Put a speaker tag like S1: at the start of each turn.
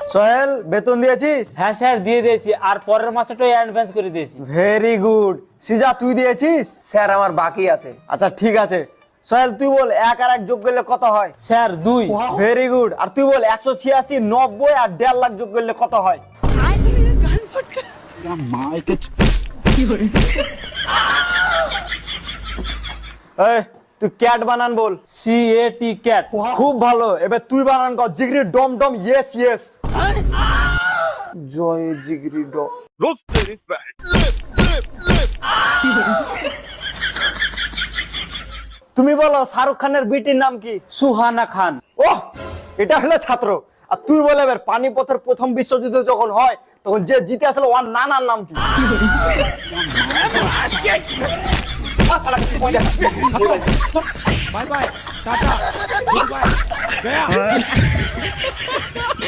S1: সোহেল বেতন দিয়েছিস?
S2: হ্যাঁ স্যার দিয়ে দিয়েছি, আর পরের মাসেটাই অ্যাডভান্স করে দিয়েছি।
S1: Very good. সিজা তুই দিয়েছিস?
S3: স্যার আমার বাকি আছে।
S1: আচ্ছা ঠিক আছে। সোহেল তুই বল 1 আর 1 যোগ করলে কত হয়?
S2: স্যার 2।
S1: Very good. আর তুই বল 186, 90 আর 1.5 লাখ যোগ করলে কত হয়? এই তুই ক্যাট বানান বল।
S2: CAT cat.
S1: খুব ভালো। এবার তুই বানান কর জিগরি ডম ডম ইয়েস ইয়েস। জয় জিগরি ডম। তুমি বলো শাহরুখ খানের বিটির নাম কি?
S2: সুহানা খান।
S1: ওহ, এটা হলো ছাত্র। আর তুই বলে এবার পানিপথের প্রথম বিশ্বযুদ্ধ যখন হয় তখন যে জিতে আসলে ওর নানার নাম কি?
S4: Bye bye tata goodbye गया